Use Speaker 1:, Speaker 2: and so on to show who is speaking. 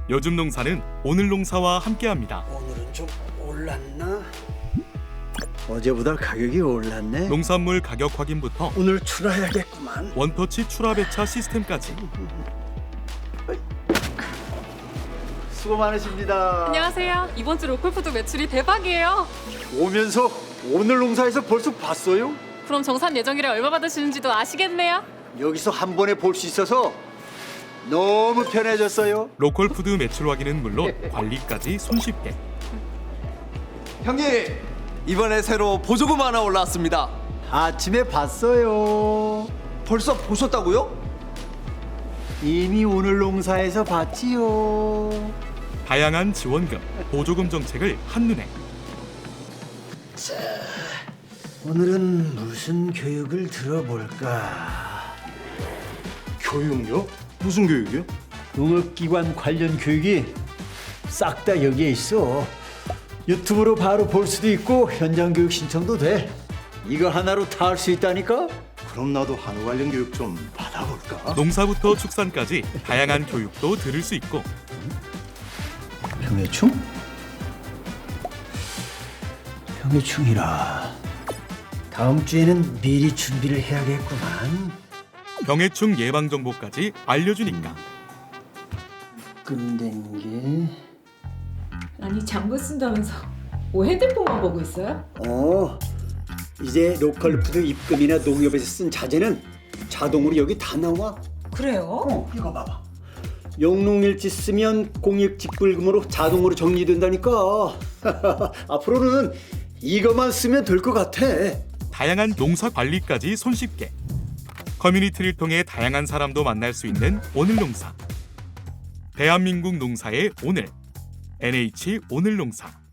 Speaker 1: 요즘 농사는 오늘 농사와 함께합니다.
Speaker 2: 오늘은 좀 올랐나? 어제보다 가격이 올랐네.
Speaker 1: 농산물 가격 확인부터
Speaker 2: 오늘 출하해야겠구만.
Speaker 1: 원터치 출하 배차 시스템까지.
Speaker 2: 수고 많으십니다.
Speaker 3: 안녕하세요. 이번 주 로컬푸드 매출이 대박이에요.
Speaker 2: 오면서 오늘 농사에서 벌써 봤어요?
Speaker 3: 그럼 정산 예정일에 얼마 받으시는지도 아시겠네요.
Speaker 2: 여기서 한 번에 볼 수 있어서 너무 편해졌어요.
Speaker 1: 로컬 푸드 매출 확인은 물론 관리까지 손쉽게.
Speaker 4: 형님, 이번에 새로 보조금 하나 올라왔습니다.
Speaker 2: 아침에 봤어요.
Speaker 4: 벌써 보셨다고요?
Speaker 2: 이미 오늘 농사에서 봤지요.
Speaker 1: 다양한 지원금, 보조금 정책을 한눈에.
Speaker 2: 오늘은 무슨 교육을 들어볼까?
Speaker 5: 교육요? 무슨 교육이요?
Speaker 2: 농업기관 관련 교육이 싹 다 여기에 있어. 유튜브로 바로 볼 수도 있고 현장 교육 신청도 돼. 이거 하나로 다 할 수 있다니까?
Speaker 5: 그럼 나도 한우 관련 교육 좀 받아볼까?
Speaker 1: 농사부터 축산까지 다양한 교육도 들을 수 있고
Speaker 2: 병해충? 병해충이라. 다음 주에는 미리 준비를 해야겠구만.
Speaker 1: 병해충 예방 정보까지 알려주니까.
Speaker 2: 끝낸 게...
Speaker 6: 아니 장부 쓴다면서 뭐 핸드폰만 보고 있어요?
Speaker 2: 이제 로컬푸드 입금이나 농협에서 쓴 자재는 자동으로 여기 다 나와.
Speaker 6: 그래요?
Speaker 2: 이거 봐봐. 영농일지 쓰면 공익직불금으로 자동으로 정리된다니까. 앞으로는 이것만 쓰면 될 것 같아.
Speaker 1: 다양한 농사 관리까지 손쉽게. 커뮤니티를 통해 다양한 사람도 만날 수 있는 오늘 농사. 대한민국 농사의 오늘. NH 오늘 농사.